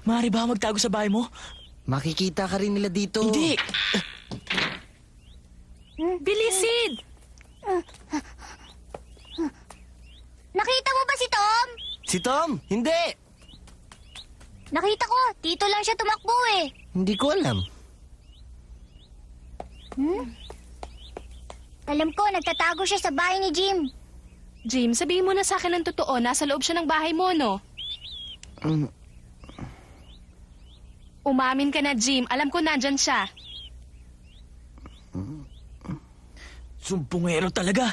Maaari ba magtago sa bahay mo? Makikita ka rin nila dito. Hindi! Bilis, Sid! Nakita mo ba si Tom? Si Tom? Hindi! Nakita ko, dito lang siya tumakbo eh. Hindi ko alam. Alam ko, nagtatago siya sa bahay ni Jim. Jim, sabihin mo na sa akin ng totoo. Nasa loob siya ng bahay mo, no? Mm, Umamin ka na, Jim. Alam ko nandyan siya. Sumpungero talaga.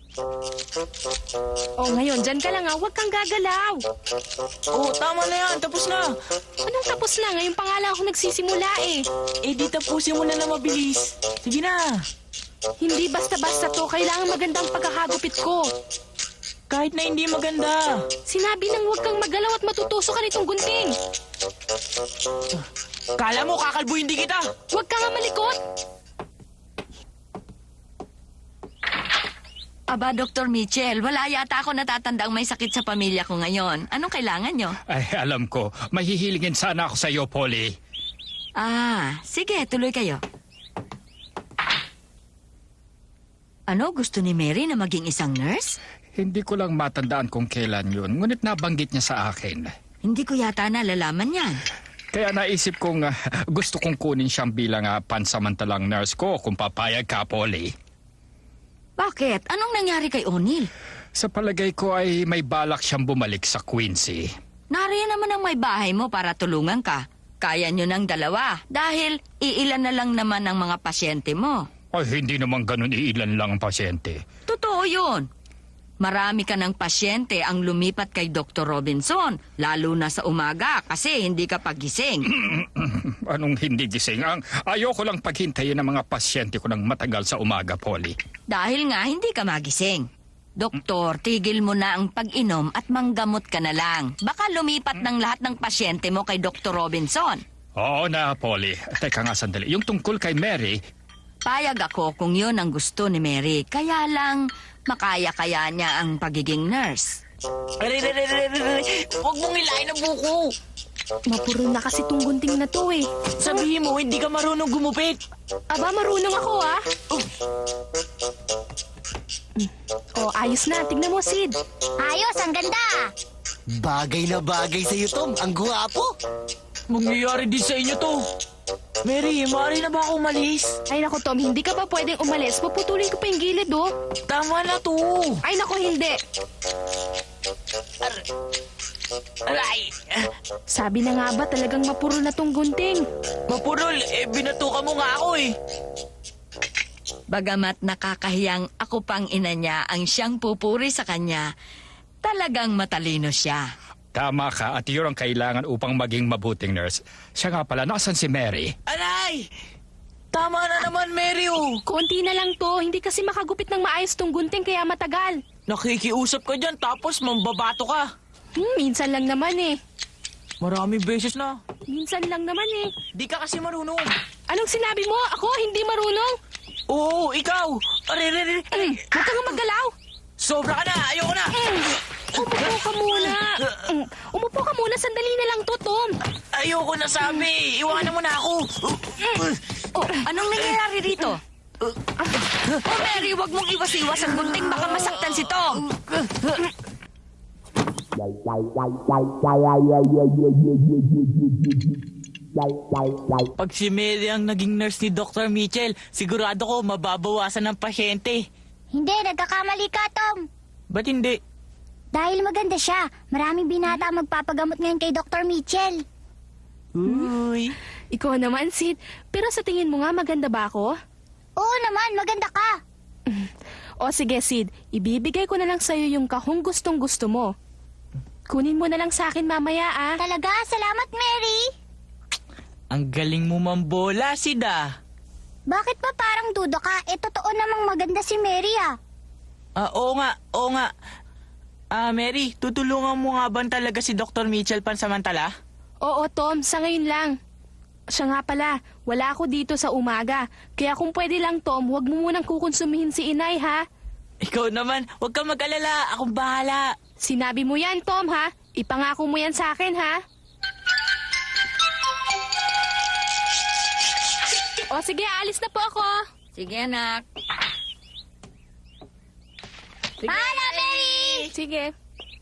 Oh, ngayon, dyan ka lang ha. Huwag kang gagalaw. Oo, tama na yan. Tapos na. Anong tapos na? Ngayon pa nga lang ako nagsisimula eh. Eh, di tapusin mo na mabilis. Sige na. Hindi basta-basta to. Kailangan magandang pagkakagupit ko. Kahit na hindi maganda. Sinabi nang huwag kang magalaw at matutusok ka nitong gunting. Kala mo, kakalbo hindi kita. Huwag ka nga malikot. Aba, Dr. Mitchell, wala yata ako natatandang may sakit sa pamilya ko ngayon. Anong kailangan nyo? Ay, alam ko. Mahihilingin sana ako sa iyo, Polly. Sige, tuloy kayo. Ano, gusto ni Mary na maging isang nurse? Hindi ko lang matandaan kung kailan yun, ngunit nabanggit niya sa akin. Hindi ko yata nalalaman yan. Kaya naisip kong gusto kong kunin siyang bilang pansamantalang nurse ko kung papayag ka, Polly. Bakit? Anong nangyari kay O'Neill? Sa palagay ko ay may balak siyang bumalik sa Quincy. Nariyan naman ang may bahay mo para tulungan ka. Kaya nyo ng dalawa dahil iilan na lang naman ang mga pasyente mo. Ay, hindi naman ganun iilan lang ang pasyente. Totoo yun. Marami ka ng pasyente ang lumipat kay Dr. Robinson, lalo na sa umaga kasi hindi ka pagising. Anong hindi gising? Ayoko lang paghintayin ng mga pasyente ko ng matagal sa umaga, Polly. Dahil nga hindi ka magising. Doktor, tigil mo na ang pag-inom at manggamot ka na lang. Baka lumipat ng lahat ng pasyente mo kay Dr. Robinson. Oo na, Polly. Teka nga sandali. Yung tungkol kay Mary, Payag ako kung yun ang gusto ni Mary. Kaya lang, makaya-kaya niya ang pagiging nurse. Huwag mong hilain ang buko. Mapuro na kasi tong gunting na to eh. Sabihin mo, hindi ka marunong gumupit. Aba, marunong ako ah. Oh, ayos na. Tignan mo, Sid. Ayos, ang ganda. Bagay na bagay sa'yo, Tom. Ang gwapo. Mangyayari din sa inyo to. Mary, maaari na ba ako umalis? Ay nako, Tom, hindi ka ba pwedeng umalis? Puputulin ko pa yung gilid, oh. Tama na to. Ay nako, hindi. Aray! Sabi na nga ba talagang mapuro na tong gunting? Mapurol, binatuka mo nga ako eh. Bagamat nakakahiyang ako pang ina niya ang siyang pupuri sa kanya, talagang matalino siya. tama ka at yun ang kailangan upang maging mabuting nurse. Siya nga pala, nasan si Mary? Aray! Tama na naman, Mary, oh. Konti na lang to. Hindi kasi makagupit ng maayos tong gunting kaya matagal. Nakikiusap ka dyan tapos mambabato ka. Minsan lang naman eh. Maraming beses na. Minsan lang naman eh. Di ka kasi marunong. Anong sinabi mo? Ako hindi marunong? Oo, ikaw. Aray. Huwag kang magalaw. Sobra ka na. Ayoko na. Umupo ka muna. Umupo ka muna. Sandali na lang to, Tom. Ayoko na sabi. Iwanan mo na ako. Oh, anong nangyayari rito? Oh, Mary, wag mong iwas-iwas ang gunting. Baka masaktan si Tom. Pag si Mary ang naging nurse ni Dr. Mitchell, sigurado ko mababawasan ng pasyente. Hindi, nagkakamali ka, Tom. Ba't hindi? Dahil maganda siya. Maraming binata ang magpapagamot ngayon kay Dr. Mitchell. Uy. Ikaw naman, Sid. Pero sa tingin mo nga, maganda ba ako? Oo naman, maganda ka. O sige, Sid. Ibibigay ko na lang sa'yo yung kahong gustong-gusto mo. Kunin mo na lang sa akin mamaya, ah. Talaga, salamat, Mary. Ang galing mo mambola, Sid, ah. Bakit pa parang duda ka? Totoo namang maganda si Mary, ah. Oo nga. Mary, tutulungan mo nga ba talaga si Dr. Mitchell pansamantala? Oo, Tom. Sa ngayon lang. Siya nga pala, wala ako dito sa umaga. Kaya kung pwede lang, Tom, huwag mo munang kukonsumihin si Inay, ha? Ikaw naman, huwag kang mag-alala. Akong bahala. Sinabi mo yan, Tom, ha? Ipangako mo yan sa akin, ha? O sige, alis na po ako. Sige, anak. Paalam, Mary! Sige.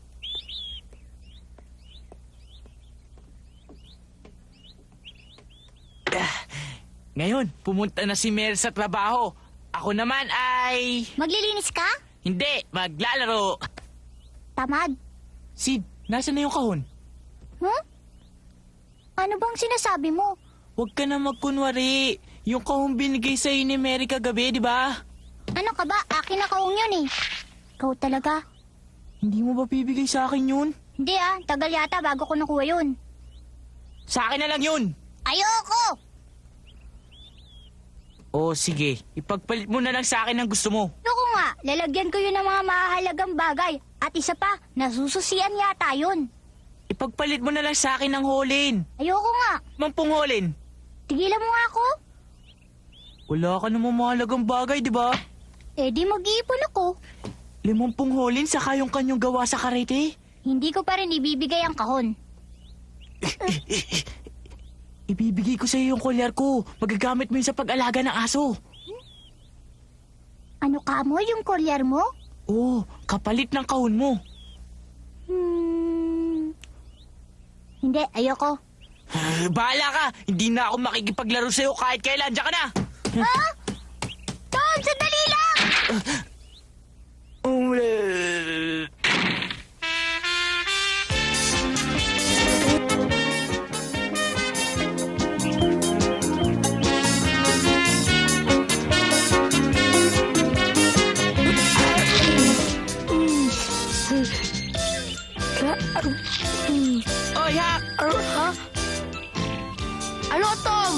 Ngayon, pumunta na si Mary sa trabaho. Ako naman ay... Maglilinis ka? Hindi, maglalaro. Tamad. Sid, nasa na yung kahon? Huh? Ano bang sinasabi mo? Huwag ka na magkunwari. Yung kahon binigay sa'yo ni Mary kagabi, di ba? Ano ka ba? Akin na kaong yun eh. Ikaw talaga. Hindi mo ba bibigay sa akin yun? Hindi tagal yata bago ko nakuha yun. Sa akin na lang yun. Ayoko! O sige, ipagpalit mo na lang sa akin ang gusto mo. Ayoko nga, lalagyan ko yun ng mga mahalagang bagay. At isa pa, nasususian yata yun. Ipagpalit mo na lang sa akin ang holin. Ayoko nga. Mampung holin. Tigilan mo nga ako. Wala ka namang mahalagang bagay, di ba? Eh di mag-iipon ako. 50 holin saka yung kanyang gawa sa karete. Hindi ko pa rin ibibigay ang kahon. Ibibigay ko sa iyo yung kolyar ko. Magagamit mo yun sa pag-alaga ng aso. Ano ka mo yung kolyar mo? Oo, kapalit ng kahon mo. Hindi, ayoko. Bahala ka! Hindi na ako makikipaglaro sa'yo kahit kailan. Diyan ka na! Ah! Tom, sandali lang! Oy, Hak! Ha? Ano, Tom?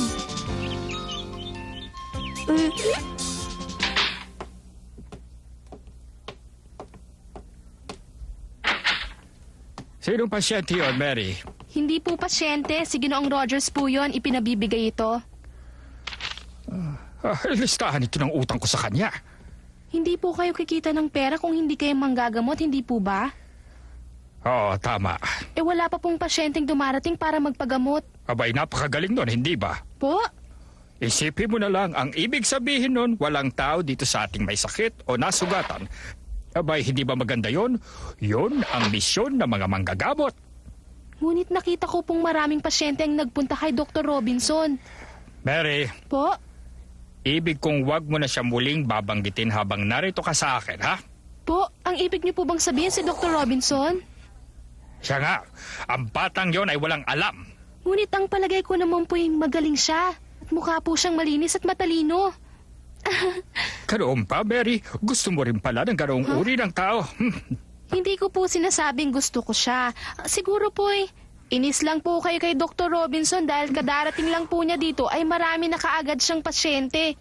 Sinong pasyente yun, Mary? Hindi po pasyente. Si Ginoong Rogers po yun. Ipinabibigay ito. Listahan ito ng utang ko sa kanya. Hindi po kayo kikita ng pera kung hindi kayo manggagamot, hindi po ba? Oo, tama. Eh wala pa pong pasyenteng dumarating para magpagamot. Abay, napakagaling nun, hindi ba? Po? Isipin mo na lang, ang ibig sabihin nun, walang tao dito sa ating may sakit o nasugatan. Abay, hindi ba maganda yon? Yun ang misyon ng mga manggagamot. Ngunit nakita ko pong maraming pasyente ang nagpunta kay Dr. Robinson. Mary, Po? ibig kong wag mo na siya muling babanggitin habang narito ka sa akin, ha? Po, ang ibig niyo po bang sabihin si Dr. Robinson? Siya nga, ang batang yon ay walang alam. Ngunit ang palagay ko naman po yung magaling siya. At mukha po siyang malinis at matalino. Ganoon pa, Mary? Gusto mo rin pala ng ganoong uri ng tao? Hindi ko po sinasabing gusto ko siya. Siguro po inis lang po kayo kay Dr. Robinson dahil kadarating lang po niya dito ay marami na kaagad siyang pasyente.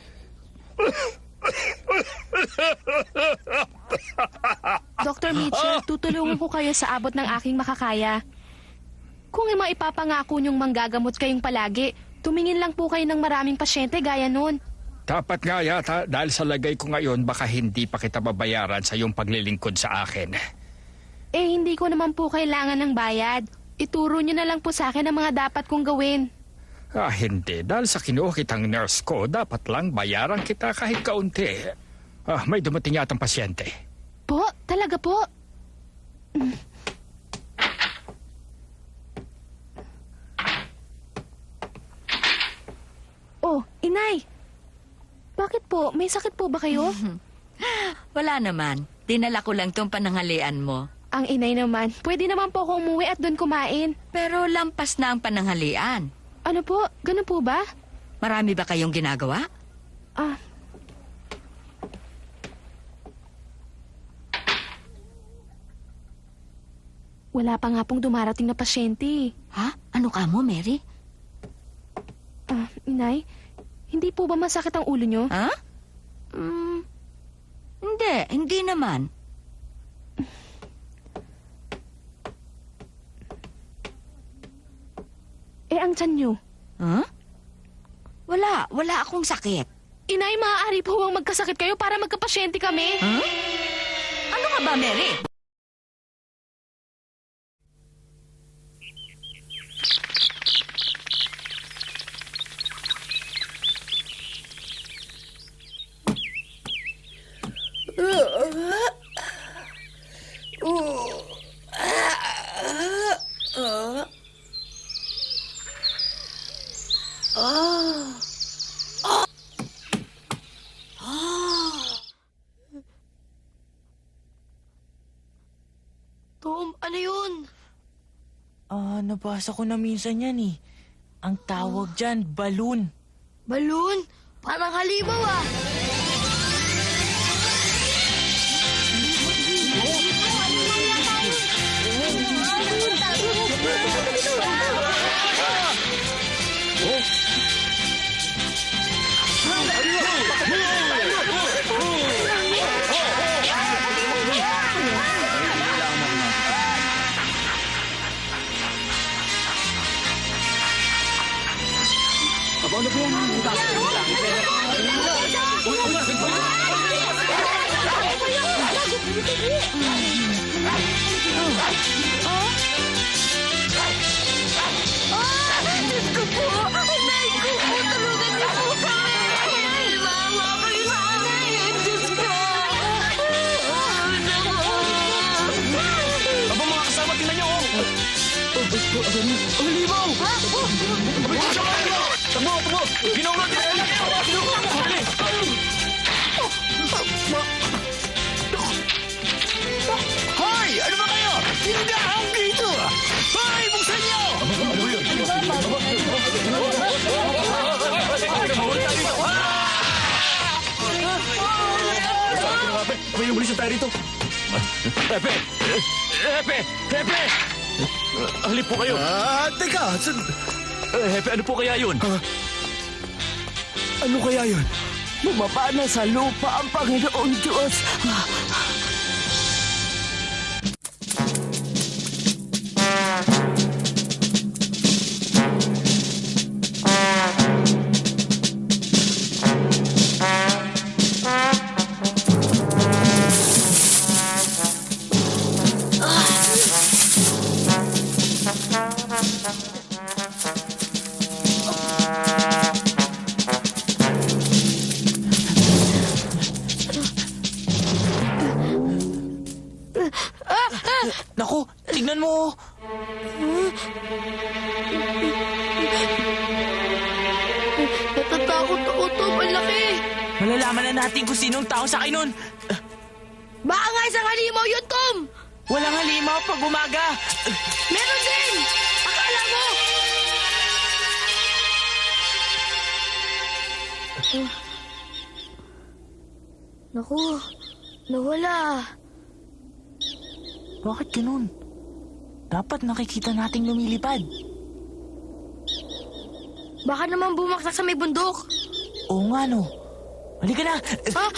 Dr. Mitchell, tutulungan ko kayo sa abot ng aking makakaya. Kung maipapangako niyong manggagamot kayong palagi, tumingin lang po kayo ng maraming pasyente gaya nun. Dapat nga yata dahil sa lagay ko ngayon baka hindi pa kita babayaran sa iyong paglilingkod sa akin. Eh, hindi ko naman po kailangan ng bayad. Ituro niyo na lang po sa akin ang mga dapat kong gawin. Hindi. Dahil sa kinuha kitang nurse ko, dapat lang bayaran kita kahit kaunti. May dumating yatang pasyente. Po? Talaga po? Oh, inay. Bakit po? May sakit po ba kayo? Wala naman. Dinala ko lang tong pananghalian mo. Ang inay naman. Pwede naman po ako umuwi at doon kumain. Pero lampas na ang pananghalian. Ano po? Ganun po ba? Marami ba kayong ginagawa? Ah. Wala pa nga pong dumarating na pasyente. Ha? Ano ka mo, Mary? Inay, hindi po ba masakit ang ulo nyo? Ha? Hindi naman. Eh, ang tiyan nyo? Ha? Wala akong sakit. Inay, maaari po bang magkasakit kayo para magkapasyente kami? Ha? Ano ka ba, Mary? Tom, ano yun? Nabasa ko na minsan yan eh. Ang tawag dyan, balloon. Balloon? Parang halimaw ah. Hoy! Ano ba kayo? Hindi ako dito! Hoy! Buksan niyo! May umulis tayo rito. Hepe! Hepe! Hepe! Halip po kayo. Teka! Hepe, ano po kaya yun? Ano kaya yun? Bumaba na sa lupa ang Panginoong Diyos. Naku, tignan mo. Natatakot ako, Tom. Ang laki. Malalaman na natin kung sinong tao sa akin nun. Baka nga isang halimaw yun, Tom. Walang halimaw pag umaga. Meron din. Akala mo. Naku, nawala. Bakit ganun? Dapat nakikita nating lumilipad. Baka naman bumaksak sa may bundok. Oo nga no. Halika na. Ha?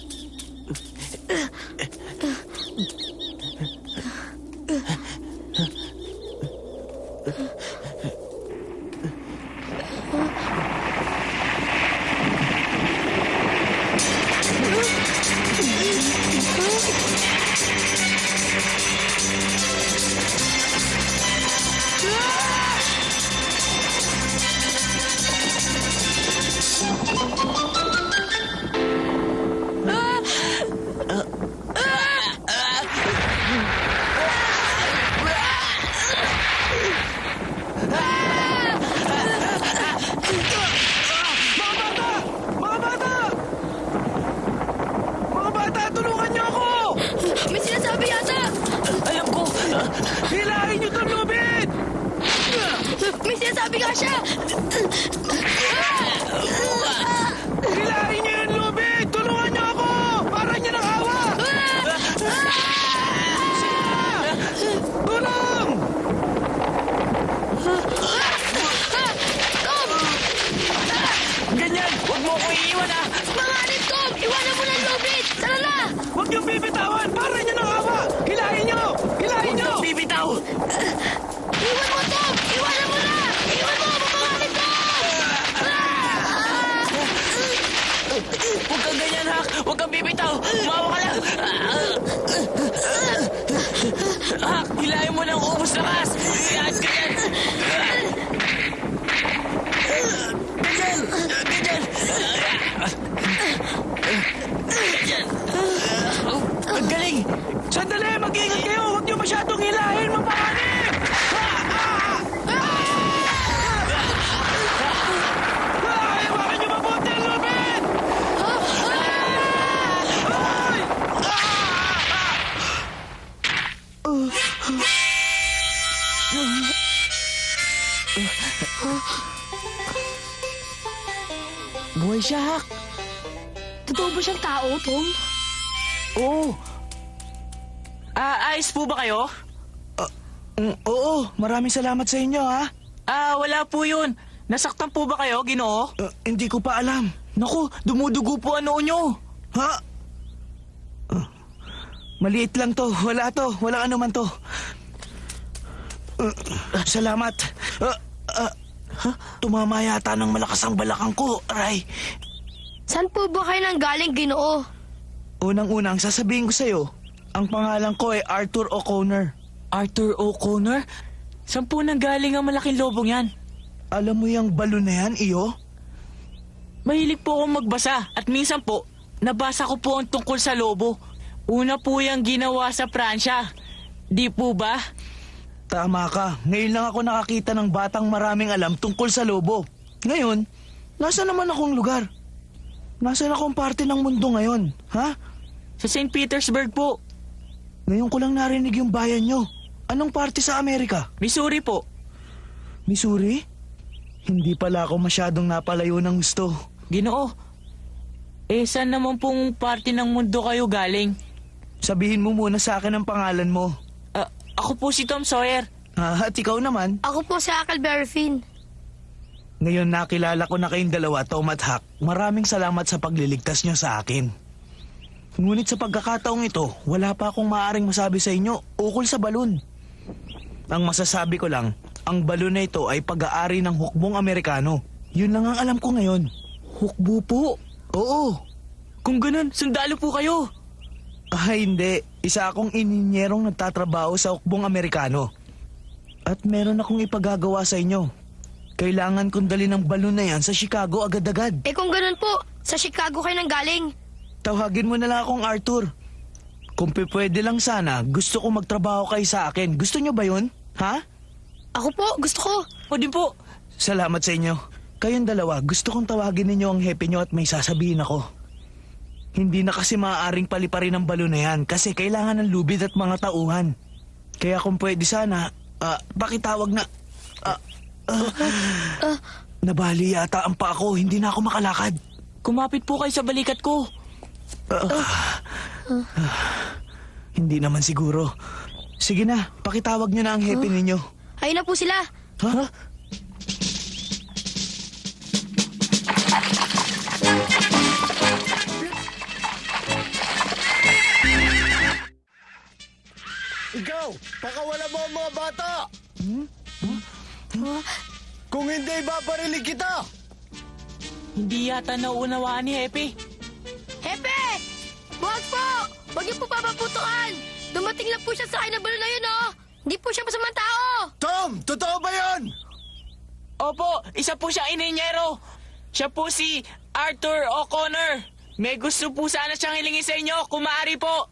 Mga bata, tulungan niyo ako! May sinasabi yata. Alam ko. Hilahin niyo itong lubid! May sinasabi nga siya. Hilahin niyo yung lubid! Tulungan niyo ako! Parang niyo nakawa! Tulong! Ganyan. Huwag mo ako iiwan ah. Manganib, Tom. Iwanan mo na ang lubid. Tara na. Huwag niyo bibitawan! Parang niyo nakawa! Hilahin niyo! Hilahin niyo! Bibitaw. Iwan mo, Tom. Iwanan mo na. Iwan mo. Mamanganib, Tom. Huwag kang ganyan, Hak. Huwag kang bibitaw. Umawa ka lang. Hak, hilahin mo ng ubos na kas. Yan, ganyan. Ganyan. Ganyan. Ganyan. Ang galing. Sandali! Mag-ingat kayo! Huwag niyo masyadong hilahin! Mapanganib! Buhay siya, Hak. Totoo ba siyang tao, Tom? Oo. Ayos po ba kayo? Oo, maraming salamat sa inyo, ha? Wala po yun. Nasaktan po ba kayo, Ginoo? Hindi ko pa alam. Naku, dumudugo po ang noo nyo. Ha? Maliit lang to. Wala to. Walang ano man to. Salamat. Tumama yata ng malakas ang balakang ko, Aray. Saan po ba kayo nang galing, Ginoo? Unang-unang sasabihin ko sa'yo, ang pangalan ko ay Arthur O'Connor. Arthur O'Connor? Saan po nang galing ang malaking lobong yan? Alam mo yung balon na yan, iyo? Mahilig po akong magbasa at minsan po, nabasa ko po ang tungkol sa lobo. Una po yung ginawa sa Pransya. Di po ba? Tama ka. Ngayon lang ako nakakita ng batang maraming alam tungkol sa lobo. Ngayon, nasa naman akong lugar? Nasaan akong parte ng mundo ngayon, ha? Sa St. Petersburg po. Ngayon ko lang narinig yung bayan nyo. Anong parte sa Amerika? Missouri po. Missouri? Hindi pala ako masyadong napalayo ng gusto. Ginoo. Saan naman pong parte ng mundo kayo galing? Sabihin mo muna sa akin ang pangalan mo. Ako po si Tom Sawyer. At ikaw naman? Ako po si Huckleberry Finn. Ngayon nakilala ko na kayong dalawa, Tom at Huck. Maraming salamat sa pagliligtas nyo sa akin. Ngunit sa pagkakataong ito, wala pa akong maaaring masabi sa inyo ukol sa balon. Ang masasabi ko lang, ang balon na ito ay pag-aari ng hukbong Amerikano. Yun lang ang alam ko ngayon. Hukbo po. Oo. Kung ganun, sundalo po kayo. Hindi. Isa akong ininyerong nagtatrabaho sa hukbong Amerikano. At meron akong ipagagawa sa inyo. Kailangan kong dali ng balon na yan sa Chicago agad-agad. Kung ganun po, sa Chicago kayo nang galing. Tawagin mo na lang akong Arthur. Kung pwede lang sana, gusto ko magtrabaho kayo sa akin. Gusto nyo ba yun? Ha? Ako po, gusto ko. O din po. Salamat sa inyo. Kayong dalawa, gusto kong tawagin ninyo ang hepe nyo at may sasabihin ako. Hindi na kasi maaaring paliparin ang balon na yan kasi kailangan ng lubid at mga tauhan. Kaya kung pwede sana, pakitawag na... Nabali yata ang paa ko, hindi na ako makalakad. Kumapit po kayo sa balikat ko. Hindi naman siguro. Sige na, pakitawag nyo na ang hepe ninyo. Ayun na po sila. Ha? Ikaw, pakawala mo ang mga bata! Kung hindi, babarilig kita! Hindi yata nauunawaan ni Hepe. Hepe! Wag po! Wag niyo po papaputukan! Dumating lang po siya sa akin na balon na yun, oh! Hindi po siya masamang tao! Tom, totoo ba yan? Opo, isa po siya ininyero. Siya po si Arthur O'Connor. May gusto po sana siyang hilingin sa inyo, kung maaari po.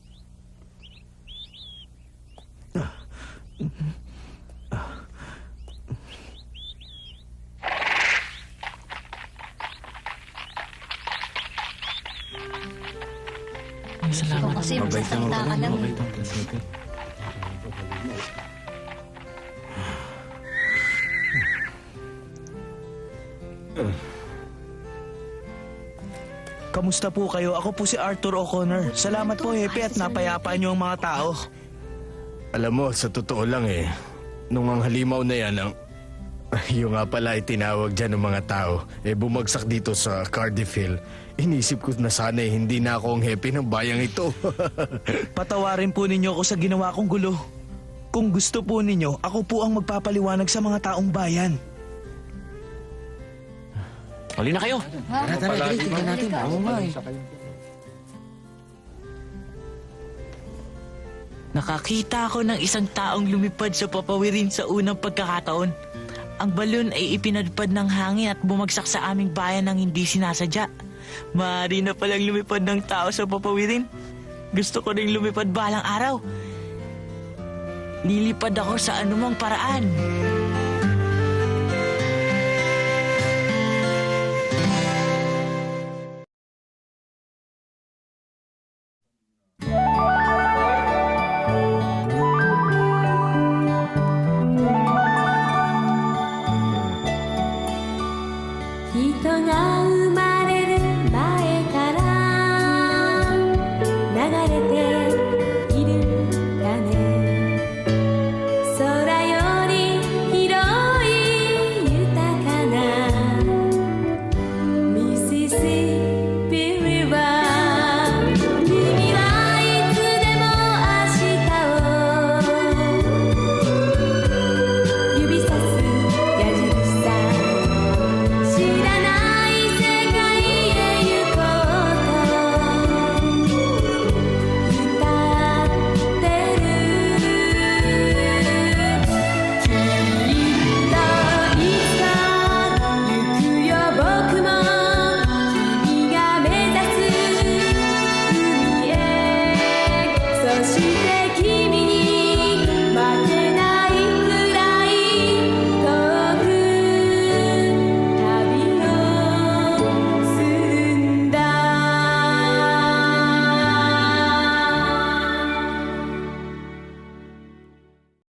Salamat. Kasi magsasalita ka lang. Kamusta po kayo? Ako po si Arthur O'Connor. Salamat po, Hepe, at napayapa niyo ang mga tao. Alam mo, sa totoo lang nung ang halimaw na yan, yung nga pala itinawag dyan ng mga tao, bumagsak dito sa Cardiff Hill. Inisip ko na sana hindi na ako ang hepe ng bayang ito. Patawarin po ninyo ako sa ginawa kong gulo. Kung gusto po ninyo, ako po ang magpapaliwanag sa mga taong bayan. Huli na kayo. Tara, tingnan natin. Oo nga eh. Nakakita ako ng isang taong lumipad sa papawirin sa unang pagkakataon. Ang balon ay ipinadpad ng hangin at bumagsak sa aming bayan ng hindi sinasadya. Maaari na palang lumipad ng tao sa papawirin. Gusto ko ring lumipad balang araw. Lilipad ako sa anumang paraan. 人が